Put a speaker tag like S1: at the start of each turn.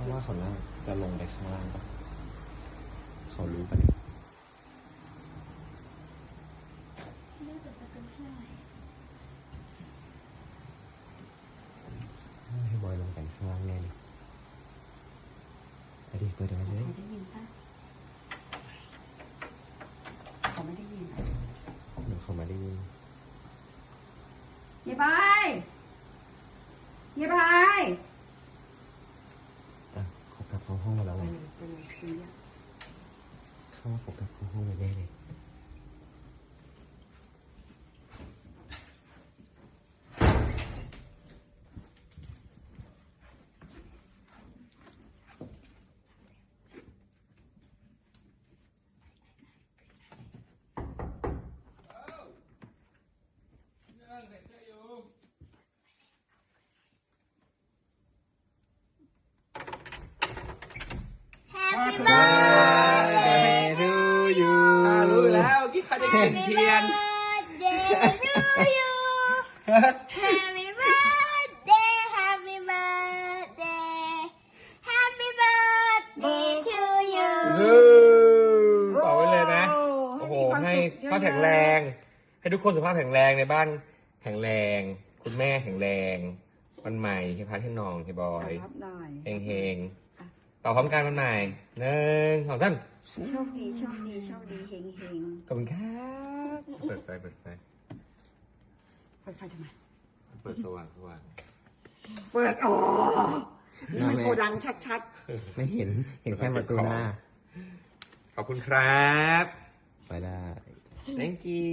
S1: ราะว่าเขาน่าจะลงไปข้างล่างปะเขารู้ปะเนี่ยให้บอยลงไปข้างล่างแน่เลยไปดิเปิดมาเลย
S2: เขาได้ยินปะเขาไม่ได้ยิน
S1: เดี๋ยวเขามาได้ยิน
S2: เย้บายเย้บาย
S1: อ่ะเขากลับเข้าห้องมาแล้ว
S2: ไป
S1: ไง
S2: เลยไปเลยคุยอ่ะ
S1: เข้าว่าเขากลับเข้าห้องมาแน่เลย
S3: Happy birthday to you
S4: รู้แล้วกี่ใครจะกินเทียน
S3: to you Happy birthday Happy birthday Happy birthday to you
S4: เป่าไว้เลยนะ โอ้โห ให้สุขภาพแข็งแรง ให้ทุกคนสุขภาพแข็งแรงในบ้านแข็งแรง คุณแม่แข็งแรง วันใหม่ให้พักให้น้องให้บอย
S2: รับหน่อย
S4: เฮงๆต่อพร้อมกันวันใหม่1 2 3
S2: โชคดีโชคดีโชคดีเฮงเฮง
S4: ขอบคุณครับเปิดไฟ
S2: เปิดไฟทำไม
S4: เปิดสว่าง
S2: เปิดอ๋อนี่มันโกดังชัด
S1: ไม่เห็นแค่ประตูหน้า
S4: ขอบคุณครับ
S1: ไปได้
S4: thank you